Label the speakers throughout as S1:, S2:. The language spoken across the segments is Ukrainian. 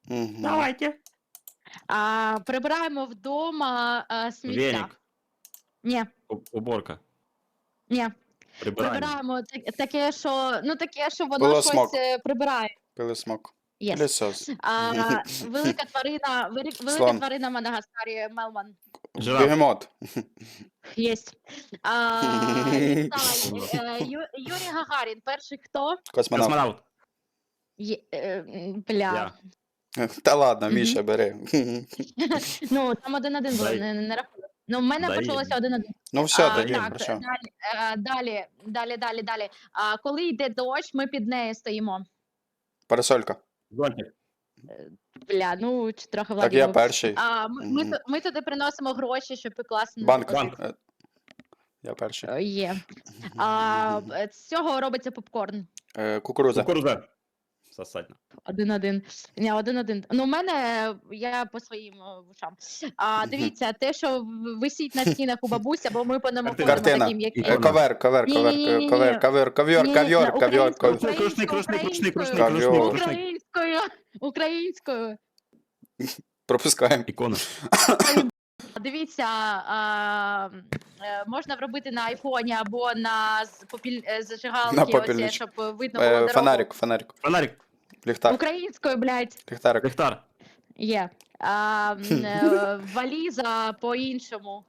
S1: Мгм.
S2: Давайте.
S3: Прибираємо вдома сміття.
S2: Веник.
S3: Ні,
S2: Уборка.
S3: ні.
S2: Прибирання.
S3: Прибираємо таке, що, воно
S1: Пилосмок.
S3: щось прибирає.
S1: Пилисмок.
S3: Єс.
S1: Пилисос.
S3: Велика
S1: Слон.
S3: тварина в Мадагаскарі, Мелман.
S2: Жираф.
S1: Бегемот.
S3: Єсть. Юрій Гагарін, перший хто?
S1: Космонавт.
S2: Космонавт.
S3: Бля.
S2: Я.
S1: Та ладно,
S3: Мгм.
S1: Міша, бери.
S3: Ну, там 1-1 було,
S2: Дай.
S3: не рахую. Ну, в мене
S2: Дай.
S3: почалося 1-1.
S1: Ну все,
S3: А,
S1: тоді,
S3: так,
S1: хорошо.
S3: далі. Коли йде дощ, ми під нею стоїмо.
S1: Парасолька.
S2: Зонтик.
S3: Бля, ну, чи трохи
S1: Так
S3: Владі
S1: я
S3: був.
S1: перший.
S3: Ми туди приносимо гроші, щоб пекласи не
S1: Банк.
S3: заплатити.
S1: Я перший.
S3: Є. З цього робиться попкорн.
S1: Кукуруза.
S2: Кукуруза. Сосать.
S3: 1-1. Ні, 1-1. Ну, в мене, я по своїм вушам. Дивіться, те, що висить на стінах у бабуся, бо ми по ньому ходимо
S1: Картина.
S3: таким, як
S2: Ікона.
S1: Ковер.
S3: Ні-ні-ні-ні.
S1: Ковер.
S3: Українською.
S1: Пропускаємо.
S2: Ікона.
S3: Дивіться, можна робити на айфоні або на
S1: На
S3: зажигалки, оце,
S1: попільничку.
S3: щоб видно було дорогу.
S1: Фонарик.
S2: Фонарик.
S1: Ліхтар.
S3: Українською, блядь,
S1: Ліхтарик.
S2: Ліхтар.
S3: є. Валіза по-іншому.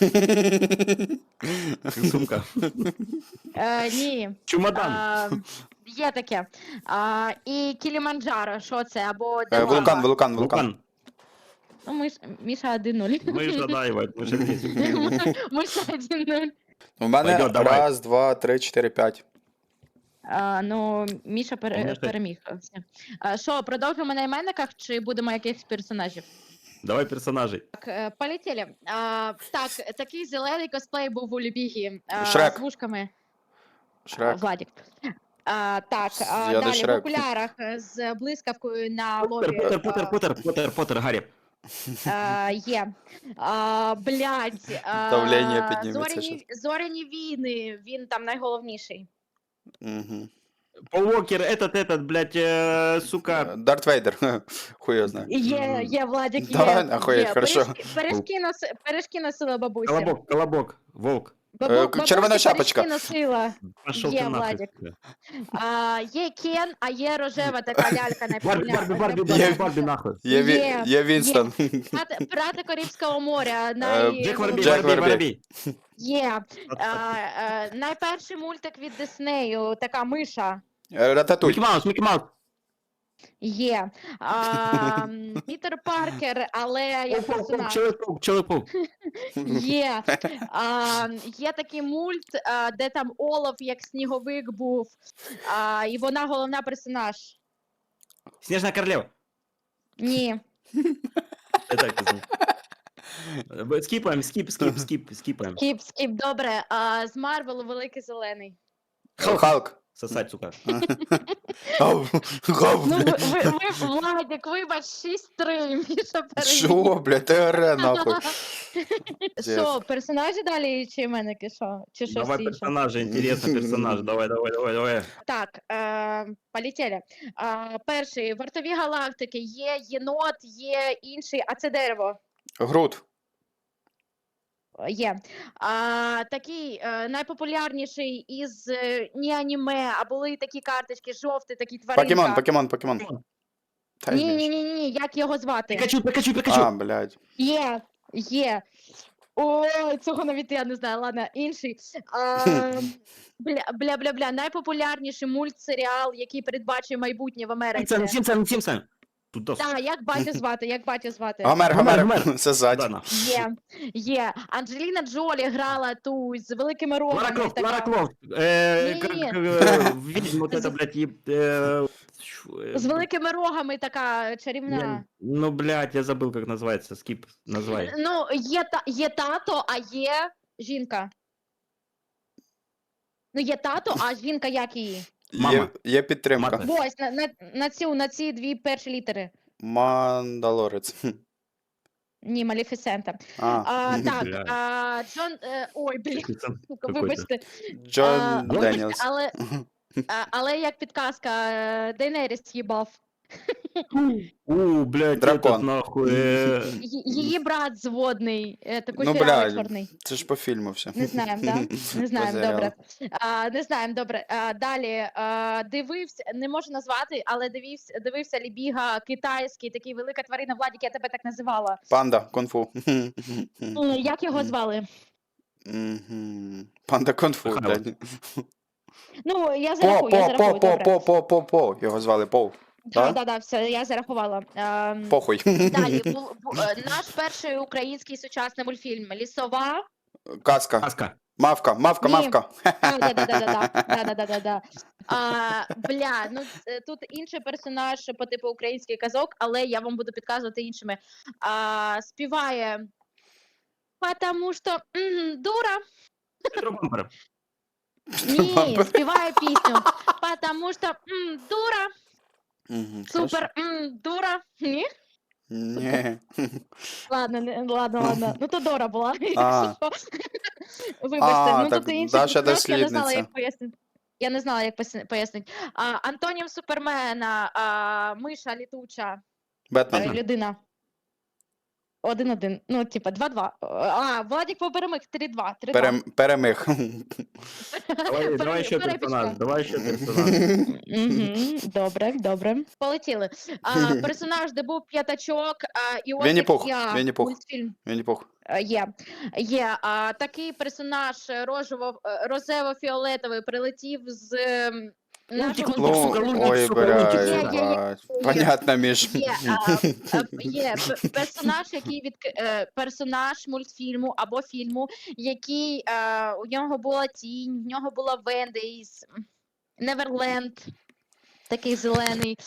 S2: Сумка.
S3: Ні.
S2: Чемодан.
S3: Є таке. І Кіліманджаро, що це? Або де
S1: Вулкан.
S2: Вулкан.
S3: Ну, Міша 1-0.
S2: Мы же дай, мы же вместе.
S3: Миша 1-0.
S1: У мене
S2: Пойдет, давай.
S1: 1, 2, 3, 4, 5.
S3: Ну, Міша
S2: Конечно.
S3: переміг. Що, продовжимо на іменниках чи будемо якихось персонажів?
S2: Давай персонажей.
S3: Так, полетіли. Так, такий зелений косплей був у Лібігі.
S1: Шрек.
S3: З вушками.
S1: Шрек.
S3: Владік. Так,
S1: Я до
S3: далі в
S1: Шрек.
S3: окулярах з блискавкою на лобі.
S2: Поттер, Гарри.
S3: Є. Блядь.
S1: Давлення підніметься щас.
S3: Зоряні війни, він там найголовніший.
S1: Угу.
S2: Пол Уокер, этот, блядь, сука.
S1: Дарт Вейдер. Хуй його знає.
S3: Є, Владик, є.
S1: Да, охуєть,
S3: Є.
S1: хорошо.
S3: Пиріжки носила бабуся.
S2: Колобок, волк.
S1: Червона шапочка.
S3: Пиріжки носила.
S2: Пошел
S3: Є,
S2: ты нахуй.
S3: Владик. Є Кен, а є рожева така лялька
S2: Барби, нахуй.
S1: Є Вінстон.
S3: Пірати Карибського моря.
S2: Джек
S1: Джек
S2: Воробей.
S3: Є. Найперший мультик від Диснею, така миша.
S1: Рататуй.
S2: Микки Маус.
S3: Є. Пітер Паркер, але як персонаж.
S2: Человек-паук.
S3: Є. Є такий мульт, де там Олаф як сніговик був, і вона головна персонаж.
S2: Снежная королева.
S3: Ні.
S2: Скипаем.
S3: Скіп, добре. З Марвелу Великий Зелений.
S1: Халк.
S2: Сосать, сука.
S1: Гав.
S3: Ну, Владик, вибач, 6-3, Міша переміг.
S1: Що, блядь, ТР нахуй.
S3: Що, персонажі далі чи іменники, що? Чи щось
S2: Давай
S3: інше?
S2: персонажа, интересно персонаж. Давай.
S3: Так, полетіли. Перший, вартові галактики, є єнот, є інший, а це дерево.
S1: Грут.
S3: Є. Такий найпопулярніший із не аніме, а були такі карточки, жовті, такі тваринка.
S1: Покемон. Та й знаєш.
S3: Ні, як його звати?
S2: Пикачу.
S1: А, блядь.
S3: Є. Ой, цього навіть я не знаю, ладно, інший. Бля, найпопулярніший мультсеріал, який передбачує майбутнє в Америці.
S2: Сімпсон. Тут
S3: Так, як батю звати?
S1: Гомер. Це ззаді.
S3: Є. Анджеліна Джолі грала ту з великими рогами.
S2: Лара Крофт.
S3: Ні.
S2: Видимо, вот это, блядь,
S3: З великими рогами така чарівна.
S2: Ну, блядь, я забыл, как называется. Скип, назвай.
S3: Ну, є тато, а є жінка. Ну, є тато, а жінка як її?
S2: Мама.
S1: Є підтримка.
S2: Мати.
S3: Ось, на ці дві перші літери.
S1: Мандалорець.
S3: Ні, Малефісента. Так, Джон... Ой, блін, сука, вибачте.
S1: Джон Деніелс.
S3: Але як підказка, Дейнеріс їбав.
S2: Блядь,
S1: Дракон.
S2: этот нахуй.
S3: Її брат зводний, такий
S1: Ну,
S3: кучерявий
S1: блядь.
S3: чорний.
S1: Це ж по фільму все.
S3: Не знаємо, да? Не знаємо,
S1: По серіалу.
S3: добре. Не знаємо, добре. Далі. Дивився, не можу назвати, але дивився Лібіга китайський, такий велика тварина, Владик, я тебе так називала.
S1: Панда, кунг-фу.
S3: Як його звали?
S1: Мгм. Панда кунг-фу,
S2: Михайло.
S1: блядь.
S3: Ну, я зарахую, добре.
S1: По. Його звали Пол. Да?
S3: Да, все, я зарахувала.
S1: Похуй.
S3: Далі, наш перший український сучасний мультфільм «Лісова».
S1: Казка.
S2: Аска.
S1: Мавка.
S3: Ні. Да. Бля, ну тут інший персонаж по типу українських казок, але я вам буду підказувати іншими. Співає «Потому що дура».
S2: Петро Бампер.
S3: Ні, співає пісню «Потому що дура».
S1: Мгм,
S3: Супер, дура. Ні?
S1: Ні.
S3: Ладно. Ну то Дора була.
S1: А.
S3: Вибачте, ну
S1: так
S3: тут інший
S1: Даша
S3: персонаж, я не знала,
S1: дослідниця.
S3: як пояснити. Я не знала, як пояснити. Антонім Супермена, миша літуча,
S1: Бетмен.
S3: людина. 1-1. Ну, типа, 2-2. Владик перемог 3-2. 3-2.
S1: Перемиг.
S2: Давай ще
S3: Перепічка.
S2: персонаж.
S3: Добре. Полетіли. Персонаж, де був п'ятачок, і ось
S1: Вінні-Пух,
S3: як я,
S1: Вінні-Пух.
S3: мультфільм.
S1: Вінні-Пух.
S3: Є. Такий персонаж розево-фіолетовий прилетів з нашого
S2: Лунтик,
S1: Ну,
S2: сука, Лунтик,
S1: ой,
S2: сука, Лунтик.
S3: Є.
S1: блядь. Понятно, Міш.
S3: Є персонаж, персонаж мультфільму або фільму, який у нього була тінь, в нього була Венди із Неверленд, такий зелений.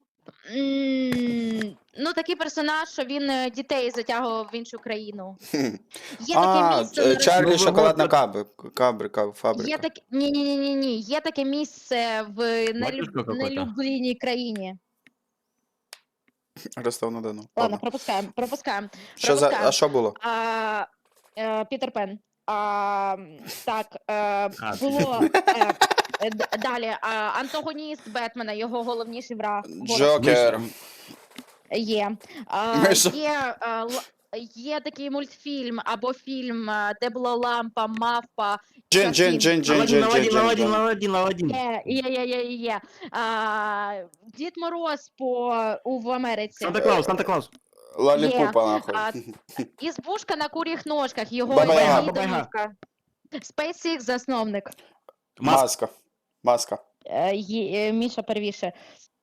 S3: Ну, такий персонаж, що він дітей затягував в іншу країну. Є таке місце на
S1: Чарлі
S2: Ну,
S1: шоколадна
S2: вот-
S1: фабрика.
S3: Є таке ні. Є таке місце в
S2: Батюшка какой-то.
S3: нелюбленій країні.
S1: Ростов-на-Дону.
S3: Ладно,
S1: Ладно.
S3: пропускаємо.
S1: А що було?
S3: Пітер Пен. Так, було далі. Антагоніст Бетмена, його головніший враг.
S1: Джокер.
S3: Є.
S1: Миша.
S3: Є такий мультфільм або фільм, де була лампа, мавпа.
S1: Джин.
S2: Аладдин.
S3: Є. Дід Мороз в Америці.
S2: Санта-Клаус.
S1: Лаліпупа, нахуй.
S3: Ізбушка на куріх ножках, його
S1: Баба-Яга.
S3: домівка. SpaceX засновник.
S1: Маска.
S3: Міша первіше.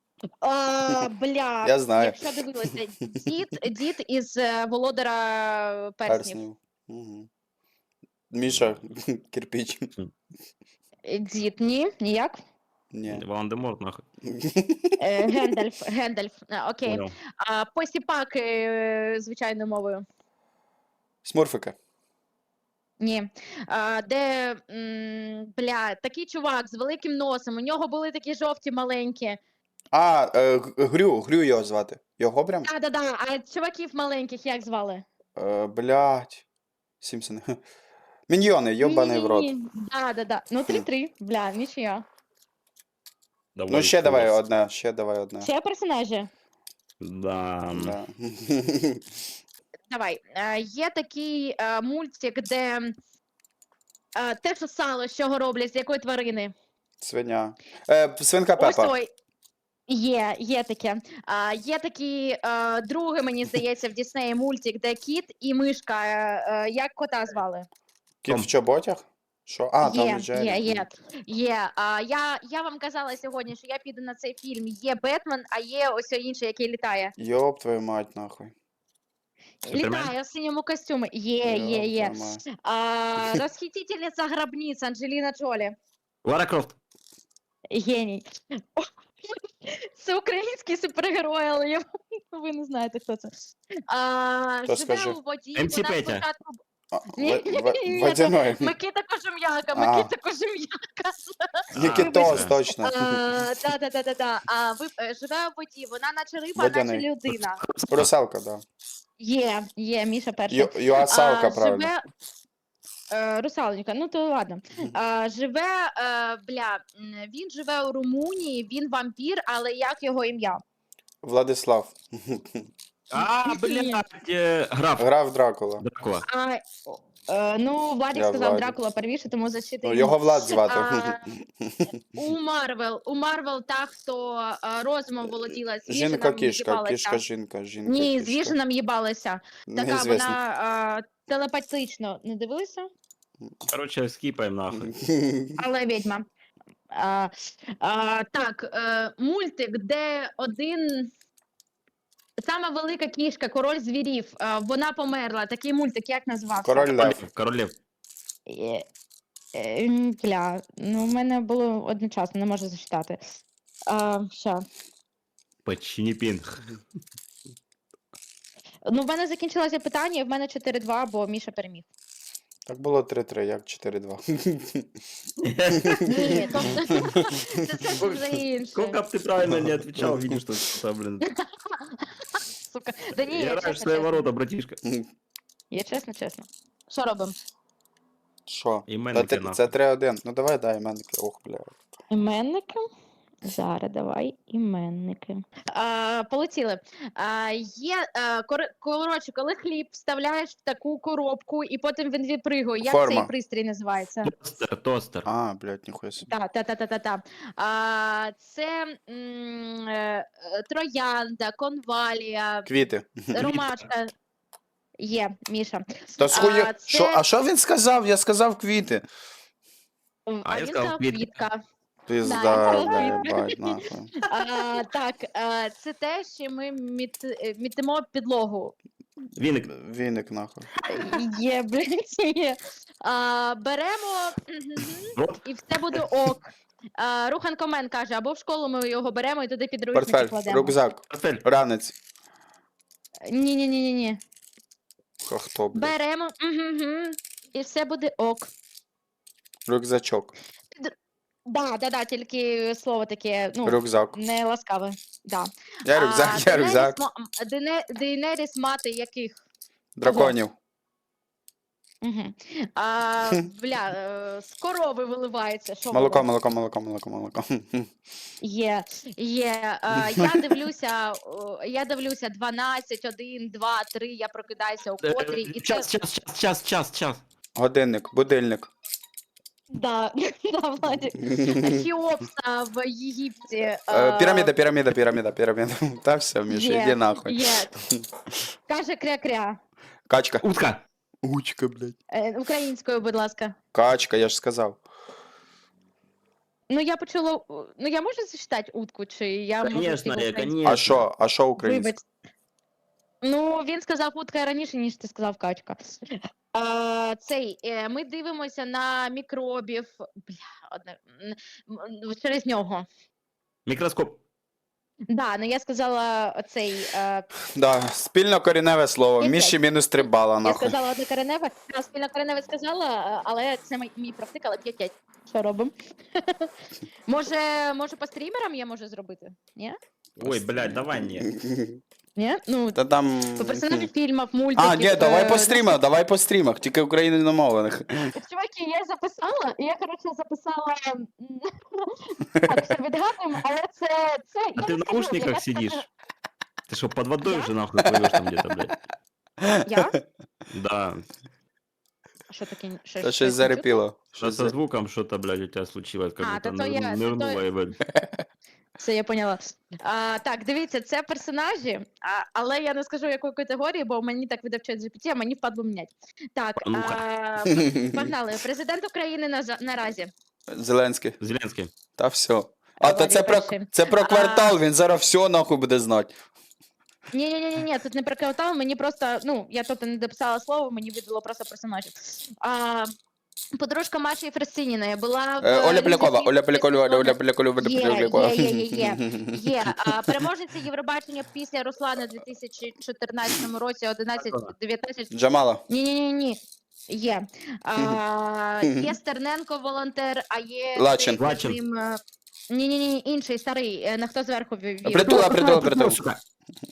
S3: Бля,
S1: Я знаю.
S3: якщо дивилися, дід із Володара перснів.
S1: Перснів. Мгм. Міша, кирпич.
S3: Дід, ніяк.
S1: Ні.
S2: Волан-де-Морт, нахуй.
S3: Гендальф. Окей.
S2: Понял.
S3: Посіпак звичайною мовою.
S1: Смурфики.
S3: Ні. Де, такий чувак з великим носом, у нього були такі жовті маленькі.
S1: Грю його звати. Його прям?
S3: Да. А чуваків маленьких як звали?
S1: Блядь. Сімпсони. Міньйони, йобаний в рот.
S3: Да. Ну, 3-3. Бля, нічия.
S1: Ну, ще давай одне.
S3: Ще персонажі?
S2: Да.
S1: Да.
S3: Давай. Є такий мультик, де те, що сало, з чого роблять, з якої тварини?
S1: Свиня. Свинка
S3: Ось
S1: Пепа.
S3: той. Є таке. Є такий другий, мені здається, в Діснеї мультик, де кіт і мишка. Як кота звали?
S1: Кіт в чоботях? Що? Том і Джері.
S3: Є. Я вам казала сьогодні, що я піду на цей фільм. Є Бетмен, а є ось інший, який літає.
S1: Йоп твою мать, нахуй.
S2: Супермен?
S3: Літає в синьому костюмі. Є.
S1: Ёб твою мать.
S3: Розхитительниця гробниць Анджеліна Джолі.
S2: Лара Крофт.
S3: Геній. Це український супергерой, але ви не знаєте, хто це.
S1: То
S3: Живе
S1: скажи.
S3: у воді,
S2: МС
S3: вона
S2: Петя.
S3: спочатку...
S1: Ні,
S3: Ні,
S1: Водяной.
S3: Микита Кожем'яка,
S1: Нікітос, точно.
S3: Да. Живе у воді, вона наче риба, наче
S1: Водяний.
S3: людина.
S1: Русалка, да.
S3: Є, Міша перший.
S1: Юасалка, правильно.
S3: Русалонька, ну то ладно. Він живе у Румунії, він вампір, але як його ім'я?
S1: Владислав.
S2: Блядь, граф.
S1: Грав Дракула.
S2: Дракула.
S3: Ну, Владик
S1: Я
S3: сказав
S1: Владик.
S3: Дракула первіше, тому защита
S1: Ну,
S3: йому.
S1: його Влад звати.
S3: У Марвел та, хто розумом володіла, з
S1: Жінка
S3: Віженом
S1: кішка,
S3: їбалася.
S1: кішка жінка, жінка
S3: Ні, з
S1: кішка.
S3: Віженом їбалася. Така
S1: Неізвісно.
S3: вона телепатично не дивилися,
S2: Короче, скіпаємо нахуй.
S3: але відьма. Так, мультик, де один. Сама велика кішка, король звірів, вона померла. Такий мультик, як називався?
S1: Король Лев.
S2: Королев.
S3: Бля, ну в мене було одночасно, не можу зачитати. Що?
S2: Починіпін.
S3: Ну, в мене закінчилося питання, і в мене 4-2, бо Міша переміг.
S1: Так було 3-3, як 4-2.
S3: Ні, це вже інше.
S2: Сколько б ти правильно не отвечал, видишь, что блин.
S3: Сука. Да ні,
S2: Я
S3: я
S2: раш свои
S3: чесно.
S2: ворота, братишка.
S3: Я чесно. Що робимо?
S1: Що?
S2: Іменники,
S1: Та
S2: нахуй.
S1: це 3-1. Ну давай, дай іменники. Ох, бля.
S3: Іменники? Зараз давай іменники. Полетіли. Коротше, коли хліб вставляєш в таку коробку і потім він випригує, як
S1: Форма.
S3: цей пристрій називається?
S2: Тостер.
S1: А, блядь, ніхуя собі.
S3: Та. Це троянда, конвалія,
S1: Квіти.
S3: ромашка. Є, Міша.
S1: Та схуя...
S3: це-
S1: А що він сказав? Я сказав квіти.
S3: А
S2: я
S3: він
S2: сказав
S3: сказав
S2: квітка.
S3: квітка.
S1: Пизда,
S3: Да,
S1: бля,
S3: я
S1: єбать, нахуй.
S3: Так, це те, що ми мітимо підлогу.
S2: Віник.
S1: Віник, нахуй.
S3: Є, блядь, є. Беремо
S2: Рот.
S3: і все буде ок. Руханко Мен каже, або в школу ми його беремо і туди підручники
S1: Портфель,
S3: кладемо.
S1: рюкзак,
S2: Портфель.
S1: ранець.
S3: Ні.
S1: А хто, блядь?
S3: Беремо і все буде ок.
S1: Рюкзачок.
S3: Да, тільки слово таке, ну,
S1: Рюкзак.
S3: не ласкаве. Да.
S1: Я рюкзак, я рюкзак.
S3: Дейнеріс мати яких?
S1: Драконів.
S3: Угу. З корови виливається. Що
S1: Молоко,
S3: було?
S1: молоко.
S3: Є. Я дивлюся 12, 1, 2, 3, я прокидаюся у котрій. І це...
S2: Час.
S1: Годинник, будильник.
S3: Да, Владик. Хіопса в Єгипті.
S1: Піраміда. Та все, Міша,
S3: Є,
S1: іди нахуй.
S3: Є. Каже кря-кря.
S1: Качка.
S2: Утка.
S1: Учка, блядь.
S3: Українською, будь ласка.
S1: Качка, я ж сказав.
S3: Ну, я почула... Ну, я можу зачитати утку, чи я можу
S2: Конечно,
S3: тільки українською?
S2: конечно.
S1: А що українська?
S3: Вибач. Ну, він сказав утка раніше, ніж ти сказав качка. Ми дивимося на мікробів. Через нього.
S2: Мікроскоп.
S3: Да, ну я сказала оцей.
S1: Да, спільно коріневе слово.
S3: Є
S1: Міші
S3: п'ять.
S1: мінус 3 бала,
S3: Я
S1: нахуй.
S3: сказала одне кореневе, спільно кореневе сказала, але це мій практик, але 5-5. Що робимо? Може, по стрімерам я можу зробити? Ні?
S2: Ой, блядь, давай не.
S3: Ні? Ну,
S1: Та там...
S3: по персонажі фільмів, мультиків.
S1: А, ні, давай по стрімах, тільки україномовлених.
S3: Чуваки, я записала, і я, коротше, записала... Так, все відгадуємо, але це...
S2: А
S3: я
S2: ти
S3: не
S2: в
S3: скажу,
S2: наушниках
S3: я
S2: сидиш?
S3: скажу-
S2: Ты что, под водой уже нахуй плывешь там где-то, блядь?
S3: Я?
S2: Да.
S3: Що таке?
S1: Та щось зарепіло.
S2: Что со звуком что-то, блядь, у тебя случилось, как
S3: А,
S2: будто
S3: то я-
S2: нырнула и, блядь.
S3: Все, я поняла. Так, дивіться, це персонажі, але я не скажу якої категорії, бо мені так видав чат GPT, а мені впадло міняти. Так,
S2: Ну-ка.
S3: погнали. Президент України наразі.
S1: Зеленський.
S2: Зеленский.
S1: Та все. А, то
S3: Владик
S1: це про
S3: А.
S1: квартал, він зараз все нахуй буде знати.
S3: Ні, тут не про квартал, мені просто, ну, я тут не дописала слово, мені видало просто персонажів. Подружка Маші Фресиніної була в...
S1: Оля Полякова, Оля Полякова.
S3: Є. Переможниця Євробачення після Руслана у 2014 році 11-19.
S1: Джамала.
S3: Ні. Є. Є Стерненко волонтер, а є...
S1: Лачин.
S3: Ні, інший, старий, на хто зверху вів.
S1: Притул.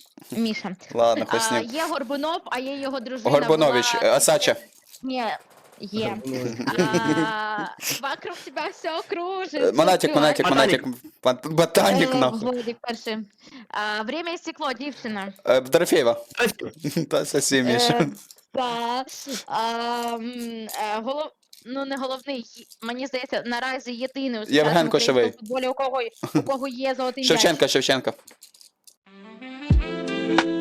S3: Міша.
S1: Ладно, хуй з ним.
S3: Є Горбунов, а є його дружина.
S1: Горбунович,
S3: була-
S1: Асача.
S3: Ні, Є. Вокруг тебя все кружится.
S1: Монатик, монатик,
S2: Ботанік.
S1: монатик. Ботанік, нахуй.
S3: Владик перший. Время і стекло, дівчина.
S1: Дорофєєва. Та совсем Міша.
S3: Та, ну не головний, мені здається, наразі єдиний у
S1: Євген
S3: сучасному
S1: Кошовий.
S3: українському футболі, у кого є золотий м'яч.
S1: Шевченка, Шевченка.